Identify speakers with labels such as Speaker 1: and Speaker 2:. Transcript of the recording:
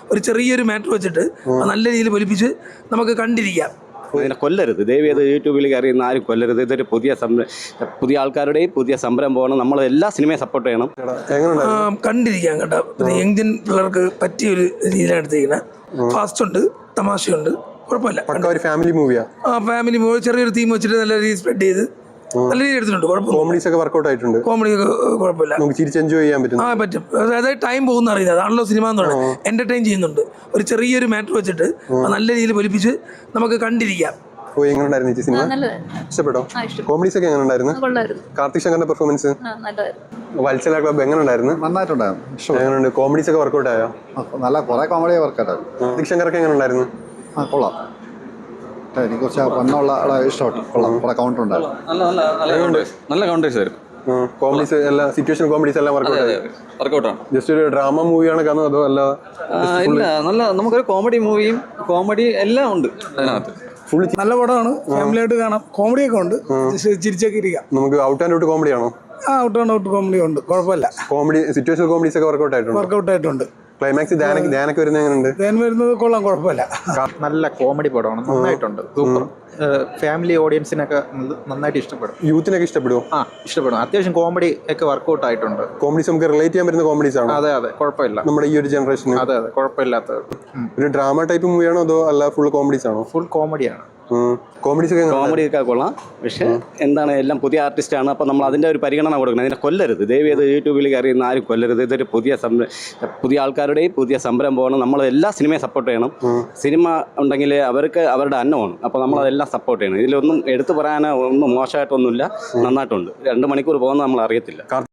Speaker 1: ഒരു ചെറിയൊരു മാറ്റർ വെച്ചിട്ട് നല്ല രീതിയിൽ പൊലിപ്പിച്ച് നമുക്ക് കണ്ടിരിക്കാം.
Speaker 2: ഇതിനെ കൊല്ലരുത്, ദയവ് ചെയ്ത് യൂട്യൂബിൽ അറിയുന്ന ആരും കൊല്ലരുത്. ഇതൊരു പുതിയ ആൾക്കാരുടെയും പുതിയ സംരംഭമാണ്. നമ്മൾ എല്ലാ സിനിമയും സപ്പോർട്ട് ചെയ്യണം.
Speaker 1: കണ്ടിരിക്കാം കേട്ടോ. യങ്ജൻ പിള്ളേർക്ക് പറ്റിയ ഒരു രീതിയിലാണ് എടുത്തിരിക്കുന്നത്. ഫാസ്റ്റ് ഉണ്ട്, തമാശയുണ്ട്, കുഴപ്പമില്ല.
Speaker 3: ഫാമിലി മൂവിയാ.
Speaker 1: ഫാമിലി മൂവി ചെറിയൊരു തീം വെച്ചിട്ട് നല്ല രീതിയിൽ സ്പ്രെഡ് ചെയ്ത് നല്ല രീതിയിൽ എടുത്തിട്ടുണ്ട്.
Speaker 3: കോമഡീസ് ഒക്കെ വർക്ക്ഔട്ട് ആയിട്ടുണ്ട്.
Speaker 1: കോമഡി ഒക്കെ കുഴപ്പമില്ല,
Speaker 3: ചിരിച്ച് എൻജോയ് ചെയ്യാൻ പറ്റും.
Speaker 1: പറ്റും. അതായത് ടൈം പോകുന്ന അറിയുന്നത്, അതാണല്ലോ സിനിമ എന്ന് പറയുന്നത്. എന്റർടൈൻ ചെയ്യുന്നുണ്ട്. ഒരു ചെറിയൊരു മാറ്റർ വെച്ചിട്ട് നല്ല രീതിയിൽ പൊലിപ്പിച്ച് നമുക്ക് കണ്ടിരിക്കാം.
Speaker 3: ഇഷ്ടപ്പെട്ടോ? കോമഡീസ് ഒക്കെ എങ്ങനെ ഉണ്ടായിരുന്നു? കാർത്തിക് ശങ്കറിന്റെ പെർഫോമൻസ്, വത്സല ക്ലബ് എങ്ങനെ ഉണ്ടായിരുന്നു?
Speaker 4: നന്നായിട്ടുണ്ടായിരുന്നു.
Speaker 3: എങ്ങനെയുണ്ട്? കോമഡീസ് ഒക്കെ വർക്ക്ഔട്ട് ആയോ?
Speaker 4: നല്ല കുറെ കോമഡി വർക്കൗട്ട് ആയി.
Speaker 3: കാർത്തിക് ശങ്കറൊക്കെ എങ്ങനെ ഉണ്ടായിരുന്നു?
Speaker 4: കൊള്ളാം. എനിക്ക് കുറച്ച് പണ്ണുള്ള ഇഷ്ടപ്പെട്ടു. കൊള്ളാം. കുറെ കൗണ്ടർ ഉണ്ടായിരുന്നു.
Speaker 2: നല്ല കൗണ്ടേഴ്സ് ആയിരുന്നു.
Speaker 3: കോമഡീസ് എല്ലാം, സിറ്റുവേഷൻ കോമഡീസ് എല്ലാം
Speaker 2: വർക്കൗട്ടാണ്.
Speaker 3: ജസ്റ്റ് ഒരു ഡ്രാമ മൂവിയാണ് കാണുന്നത് അതോ അല്ല?
Speaker 2: ഇല്ല, നല്ല നമുക്കൊരു കോമഡി മൂവിയും കോമഡി എല്ലാം ഉണ്ട് അതിനകത്ത്.
Speaker 5: നല്ല പടമാണ്, ഫാമിലി ആയിട്ട് കാണാം. കോമഡിയൊക്കെ ഉണ്ട്, ചിരിച്ചൊക്കെ ഇരിക്കാം.
Speaker 3: നമുക്ക് ഔട്ട് ആൻഡ് ഔട്ട് കോമഡി ആണോ?
Speaker 5: ഔട്ട് ആൻഡ് ഔട്ട് കോമഡി ഉണ്ട്, കുഴപ്പമില്ല.
Speaker 3: കോമഡി സിറ്റുവേഷൻ കോമഡീസ് ഒക്കെ വർക്കൗട്ട് ആയിട്ടുണ്ട്. ക്ലൈമാക്സ് ധ്യാനൊക്കെ വരുന്നത് എങ്ങനെയുണ്ട്?
Speaker 5: വരുന്നത് കൊള്ളാം, കുഴപ്പമില്ല.
Speaker 6: നല്ല കോമഡി പടമാണ്, നന്നായിട്ടുണ്ട്, സൂപ്പർ. ഫാമിലി ഓഡിയൻസിനൊക്കെ നന്നായിട്ട് ഇഷ്ടപ്പെടും.
Speaker 3: യൂത്തിനൊക്കെ ഇഷ്ടപ്പെടുമോ?
Speaker 6: ഇഷ്ടപ്പെടും. അത്യാവശ്യം കോമഡി ഒക്കെ വർക്കൗട്ട് ആയിട്ടുണ്ട്.
Speaker 3: കോമഡീസ് നമുക്ക് റിലേറ്റ് ചെയ്യാൻ പറ്റുന്ന കോമഡീസ് ആണ്.
Speaker 6: അതെ, കുഴപ്പമില്ല.
Speaker 3: നമ്മുടെ ഈ ഒരു ജനറേഷൻ.
Speaker 6: അതെ, കുഴപ്പമില്ലാത്ത
Speaker 3: ഒരു ഡ്രാമ ടൈപ്പ് മൂവിയാണോ അതോ അല്ല ഫുൾ കോമഡീസ് ആണോ?
Speaker 6: ഫുൾ കോമഡിയാണ്.
Speaker 3: കോമഡി
Speaker 2: ഒക്കെ കൊള്ളാം. പക്ഷെ എന്താണ്, എല്ലാം പുതിയ ആർട്ടിസ്റ്റാണ്. അപ്പോൾ നമ്മൾ അതിൻ്റെ ഒരു പരിഗണന കൊടുക്കണം. ഇതിനെ കൊല്ലരുത്, ദയവ് ചെയ്ത് യൂട്യൂബിൽ അറിയുന്ന ആരും കൊല്ലരുത്. ഇതൊരു പുതിയ ആൾക്കാരുടെയും പുതിയ സംരംഭമാണ്. നമ്മൾ എല്ലാ സിനിമയും സപ്പോർട്ട് ചെയ്യണം. സിനിമ ഉണ്ടെങ്കിൽ അവർക്ക് അവരുടെ അന്നമാണ്. അപ്പോൾ നമ്മളതെല്ലാം സപ്പോർട്ട് ചെയ്യണം. ഇതിലൊന്നും എടുത്തു പറയാനോ ഒന്നും മോശമായിട്ടൊന്നുമില്ല, നന്നായിട്ടുണ്ട്. 2 മണിക്കൂർ പോകുന്നത് നമ്മൾ അറിയത്തില്ല.